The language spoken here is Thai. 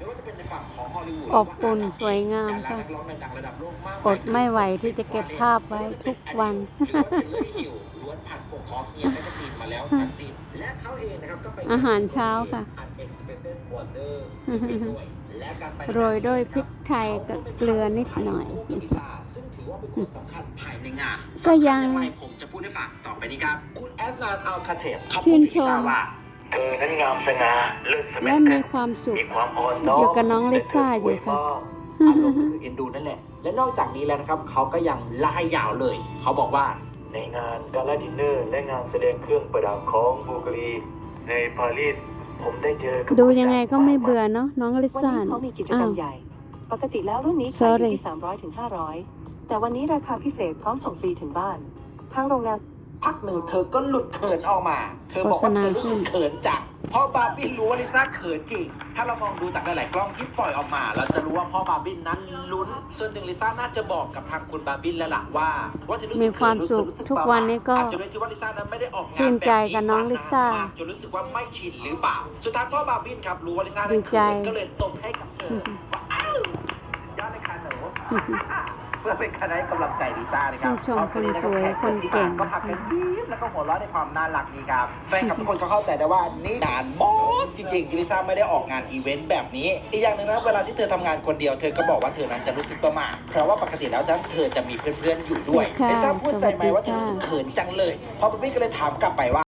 ไม่ว่าจะเป็นในฝั่งของฮอลลีวูดอบอุ่นสวยงามค่ะนักร้องดังระดับโลกมากอดไม่ไหวที่จะเก็บภาพไว้ทุกวันหรือว่าเทเลอร์ฮิลล้วนผ่านปกของเฮียแมกกาซีนมาแล้วทั้งสิ้นและเขาเองนะครับก็ไปอาหารเช้าค่ะ Unexpected Wonders ด้วยและการไปโรยด้วยพริกไทยกับเกลือนิดหน่อยซึ่งถือว่าเป็นคนสำคัญภายในงานก็ยังสำคัญอไรผมจะพูดให้ฟังต่อไปนี้ครับคุณแอดนานอัลคาเทปเขาชื่พูดนถึงชลิซ่าม ว่าเธอนั้นงามสง่าเลิศสมัและยมีความสุขมีความอ่อนน้อมอยู่กับน้องลิซ่าอยู่ค่ะอารมณ์คือเอ็นดูนั่นแหละ และนอกจากนี้แล้วนะครับเขาก็ยังไล่ยาวเลย เขาบอกว่าในงานกาลาดินเนอร์และงานแสดงเครื่องประดับของบูการีในปารีสผมได้เจอกับดูยังไงก็ไม่เบื่อเนาะน้องลิวันซ่านี้เขามีกิจกรรมใหญ่ ปกติแล้วรุ่นนี้ขายอยู่ที่ 300 ถึง 500 แต่วันนี้ราคาพิเศษพร้อมส่งฟรีถึงบ้าน ทางโรงงานพักหนึ่งเธอก็หลุดเขินออกมา เธอบอกว่าเธอรู้สึกเขินจังเพราะบาร์บินรู้ว่าลิซ่าเขินจริง ถ้าเรามองดูจากหลายๆกล้องที่ปล่อยออกมา เราจะรู้ว่าพ่อบาร์บินนั้นลุ้น ส่วนหนึ่งลิซ่าน่าจะบอกกับทางคุณบาร์บินแล้วล่ะว่าเธอรู้สึกมีความสุขรู้สึทุกวันนี้ก็อาจจะด้วยที่ว่าลิซ่านั้นไม่ได้ออกงานชื่นใจกับน้องลิซ่าแบบนี้มจนรู้สึกว่าไม่ชินหรือเปล่า สุดท้ายพ่อบาร์บินครับรู้ว่าลิซ่านั้นดีใจเขินก็เลยตบให้กับเธอว่าอ้าวยอดเลยค่ะหนู เพื่อเป็นการให้กำลังใจลิซ่านะครับชื่นชมคนสวยคนเก่งก็พักกันยิ้มแล้วก็หัวเราะในความน่ารักนี้ครับแฟนคลับทุกคนก็เข้าใจได้ว่านี่งานมดจริงๆลิซ่าไม่ได้ออกงานอีเวนต์แบบนี้ อีกอย่างหนึ่งนะเวลาที่เธอทำงานคนเดียวเธอก็บอกว่าเธอนั้นจะรู้สึกประหม่าเพราะว่าปกติแล้วเธอจะมีเพื่อนๆอยู่ด้วยค่ะลิซ่าพูดใส่ไหมค์ว่าเธอสวัสดีค่ะรู้สึกเขินจังเลยพอพี่ก็เลยถามกลับไปว่า